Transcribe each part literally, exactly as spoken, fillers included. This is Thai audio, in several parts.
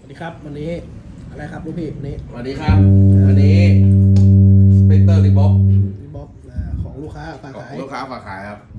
ดีครับวันนี้อะไรครับลูกพี่วันนี้สวัสดีครับวันนี้สเปกเตอร์รีบ็อกรีบ็อกของลูกค้าฝากขายลูกค้าฝากขายครับ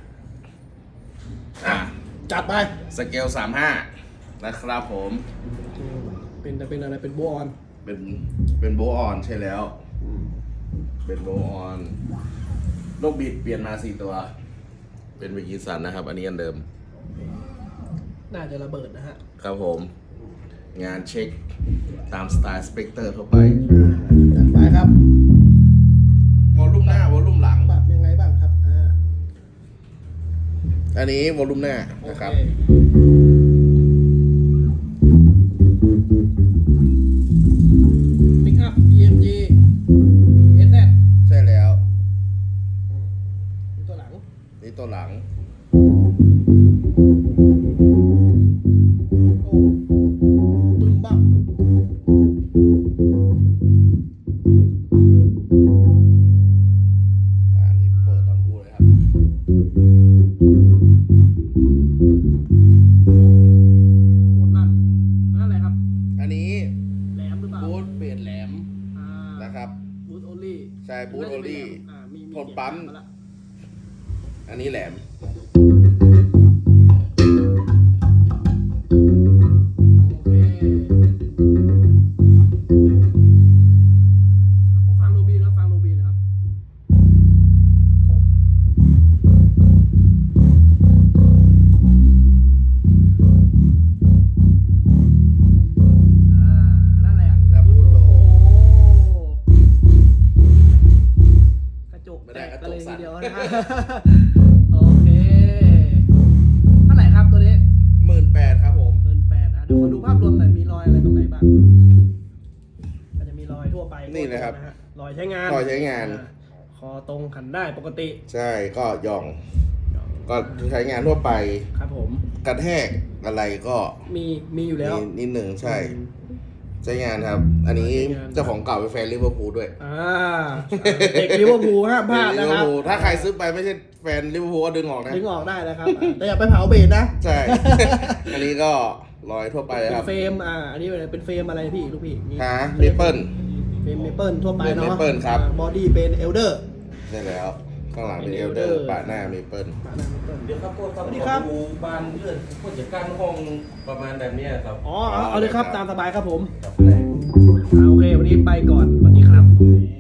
อ่ะจัดไปสเกลสามห้านะครับผมเป็นเป็นอะไรเป็นโบออนเป็นเป็นโบออนใช่แล้วเป็นโบออนลูกบิดเปลี่ยนมาสี่ตัวเป็นวิกิสันนะครับอันนี้อันเดิมน่าจะระเบิดนะฮะครับผมงานเช็คตามสไตล์สเปกเตอร์ทั่วไปจัดไปครับวอลลุ่มหน้าวอลลุ่มหลังปรับยังไงบ้างครับอ่าอันนี้วอลลุ่มหน้านะครับปิกอัพ อี เอ็ม จี เอส แซดใช่แล้วตัวหลังนี่ตัวหลังโอ้บึ้มบ้าอันนี้เปิดทั้งคู่เลยครับโคตรลั่นนั่นอะไรครับอันนี้แหลมหรือเปล่าบูทเบสแหลมอ่านะครับบูทโอลี่ใช่บูทโอลี่ทนปั๊มอันนี้แหลมฟังโรบีนะฟังโรบีนะครับอ่านั่นแหละแล้วบูทโลกระจกไม่แตได้กกระกันจเลกยทีสั่นเดียวนะฮะโอเคเท่าไหร่ครับตัวนี้หมื่นแปดครับผมหมื่นแปดอ่ะเดี๋ยวมาดูภาพรวมหน่อยมีรอยอะไรตรงไหนบ้างอาจจะมีรอยทั่วไปนี่นะครับฮะรอยใช้งานรอยใช้งานอ่คอตรงขันได้ปกติใช่ก็ย่อง ก็ใช้งานทั่วไปครับผมกระแทกอะไรก็มีมีอยู่แล้วมีนิดหนึ่งใช่อืมใช้งานครับ อันนี้ใช้งานเจ้าของเก่าเป็นแฟนลิเวอร์พูลด้วยอ่าเด็กลิเวอร์พูลห้ามพลาดลินะเวอครับร์พูลถ้าใครซื้อไปไม่ใช่แฟนลิเวอร์พูลก็ดึงออกนะดึงออกได้นะครับอ่าแต่อย่าไปเผาเบสนะใช่ อันนี้ก็รอยทั่วไปเป็คน รับเฟรมอ่าอันนี้เป็นเฟรมอะไรพี่ลูกพี่นี่หาเมเปิลเฟรมเมเปิลทั่วไปเนาะเมเปิลครับบอดี้เป็นเอลเดอร์ใช่แล้ว ข้างหลังเป็นเอลเดอร์ปาดหน้าเมเปิลเดี๋ยวครับพวกครับสวัสดีครับดูบานเลื่อนพวกจัดการห้องประมาณแบบเนี้ยครับอ๋อเอาเอาเลยครับตามสบายครับผมกับแรงอ่าโอเควันนี้ไปก่อนสวัสดีครับ